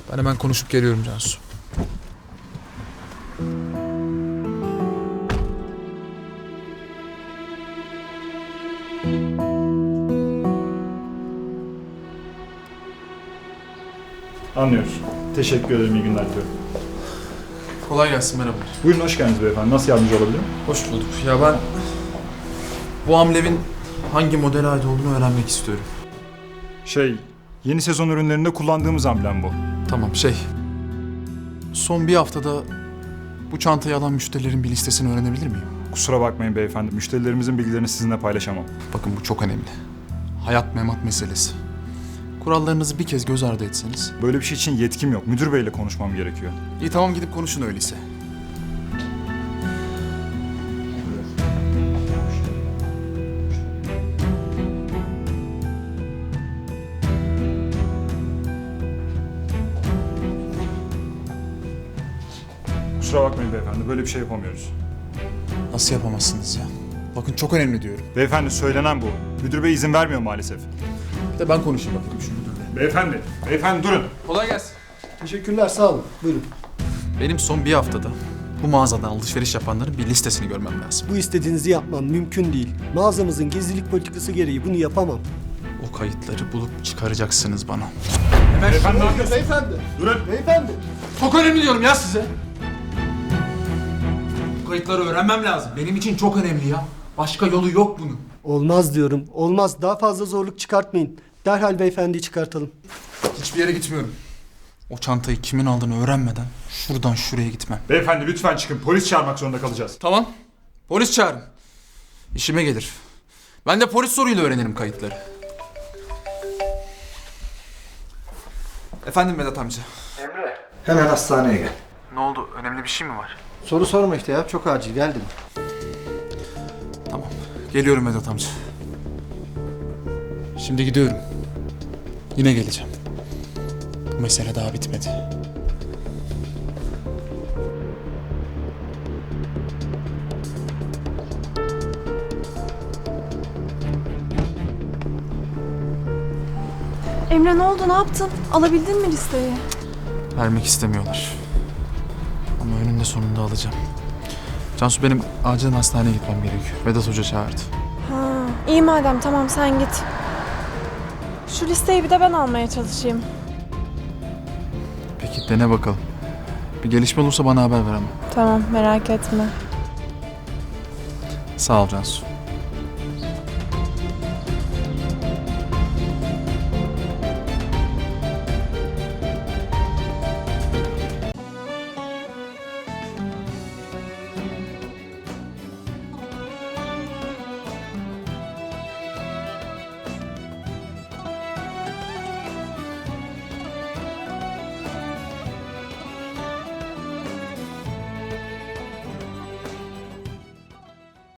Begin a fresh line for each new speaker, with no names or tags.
Ben hemen konuşup geliyorum Cansu.
Anlıyoruz. Teşekkür ederim, iyi günler diliyorum.
Kolay gelsin, merhaba.
Buyurun, hoş geldiniz beyefendi. Nasıl yardımcı olabilirim?
Hoş bulduk. Ya ben bu amblevin hangi modele ait olduğunu öğrenmek istiyorum.
Yeni sezon ürünlerinde kullandığımız amblem bu.
Tamam, son bir haftada bu çantayı alan müşterilerin bir listesini öğrenebilir miyim?
Kusura bakmayın beyefendi, müşterilerimizin bilgilerini sizinle paylaşamam.
Bakın bu çok önemli. Hayat memat meselesi. Kurallarınızı bir kez göz ardı etseniz.
Böyle bir şey için yetkim yok. Müdür beyle konuşmam gerekiyor.
İyi tamam, gidip konuşun öyleyse.
Kusura bakmayın beyefendi, böyle bir şey yapamıyoruz.
Nasıl yapamazsınız ya? Bakın çok önemli diyorum.
Beyefendi, söylenen bu. Müdür bey izin vermiyor maalesef.
Bir de ben konuşayım bakayım şu müdürle.
Beyefendi durun.
Kolay gelsin.
Teşekkürler, sağ olun. Buyurun.
Benim son bir haftada bu mağazadan alışveriş yapanların bir listesini görmem lazım.
Bu istediğinizi yapmam mümkün değil. Mağazamızın gizlilik politikası gereği bunu yapamam.
O kayıtları bulup çıkaracaksınız bana.
Beyefendi ne yapıyorsunuz?
Beyefendi.
Durun.
Beyefendi.
Çok önemli diyorum ya size. Bu kayıtları öğrenmem lazım. Benim için çok önemli ya. Başka yolu yok bunun.
Olmaz diyorum. Olmaz. Daha fazla zorluk çıkartmayın. Derhal beyefendiyi çıkartalım.
Hiçbir yere gitmiyorum. O çantayı kimin aldığını öğrenmeden şuradan şuraya gitmem.
Beyefendi lütfen çıkın. Polis çağırmak zorunda kalacağız.
Tamam. Polis çağırın. İşime gelir. Ben de polis soruyla öğrenirim kayıtları. Efendim Vedat amca.
Hemen hastaneye gel.
Ne oldu? Önemli bir şey mi var?
Soru sorma işte ya. Çok acil. Geldim.
Tamam. Geliyorum Vedat amca. Şimdi gidiyorum. Yine geleceğim. Bu mesele daha bitmedi.
Emre ne oldu, ne yaptın? Alabildin mi listeyi?
Vermek istemiyorlar. Ama önünde sonunda alacağım. Cansu, benim acilen hastaneye gitmem gerekiyor. Vedat Hoca çağırdı.
Ha, iyi madem, tamam sen git. Şu listeyi bir de ben almaya çalışayım.
Peki dene bakalım. Bir gelişme olursa bana haber ver ama.
Tamam, merak etme.
Sağ ol Cansu.